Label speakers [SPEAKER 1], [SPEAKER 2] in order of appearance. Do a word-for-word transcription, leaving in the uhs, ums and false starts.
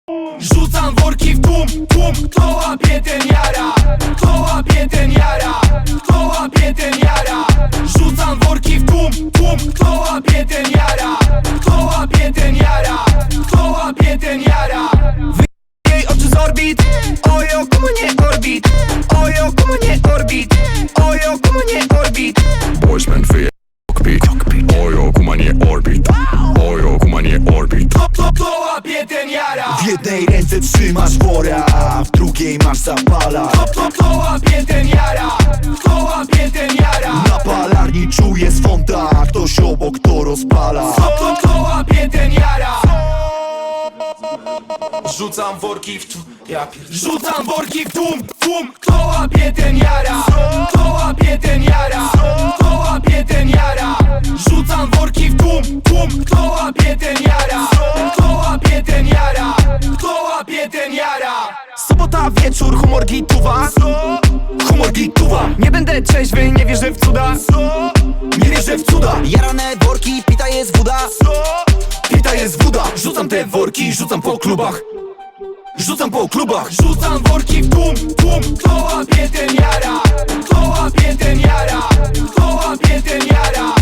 [SPEAKER 1] Rzucam worki w tłum, tłum. Kto łapie ten jara? Kto łapie ten jara? Kto łapie ten jara? Rzucam worki w tłum, tłum. Kto łapie ten jara? Kto łapie ten jara? Kto łapie ten jara? Jej oczy z orbit. Ojo, komu nie orbit. Ojo, komu nie orbit. Ojo, komu nie orbit.
[SPEAKER 2] Boysman wyje cockpit. Ojo, kumanie orbit. Ojo, kumanie orbit.
[SPEAKER 1] Kto, kto, kto łapie ten jara?
[SPEAKER 3] W jednej ręce trzymasz wora, a w drugiej masz zapala.
[SPEAKER 1] Kto, kto, kto łapie ten jara? Kto łapie ten jara?
[SPEAKER 3] Na palarni czuję swąta, ktoś obok to rozpala.
[SPEAKER 1] Kto, kto, kto łapie ten jara? Rzucam worki w tłum, ja pier... Rzucam worki w tłum, tłum. Kto łapie ten jara? Kto łapie ten jara? Kto łapie ten jara? Rzucam worki w tłum, tłum. Kto łapie ten jara? Kto łapie ten jara? Kto łapie ten jara?
[SPEAKER 4] Sobota wieczór, humor gituwa.
[SPEAKER 3] Humor gituwa,
[SPEAKER 4] Nie będę trzeźwy, nie wierzę w cuda.
[SPEAKER 3] nie wierzę w cuda.
[SPEAKER 5] Jarane worki, pita jest woda.
[SPEAKER 3] Pita jest woda. Rzucam te worki, rzucam po klubach. Rzucam po klubach.
[SPEAKER 1] Rzucam worki w tłum, tłum. Kto łapie ten jara? Kto łapie ten jara? Kto łapie ten jara?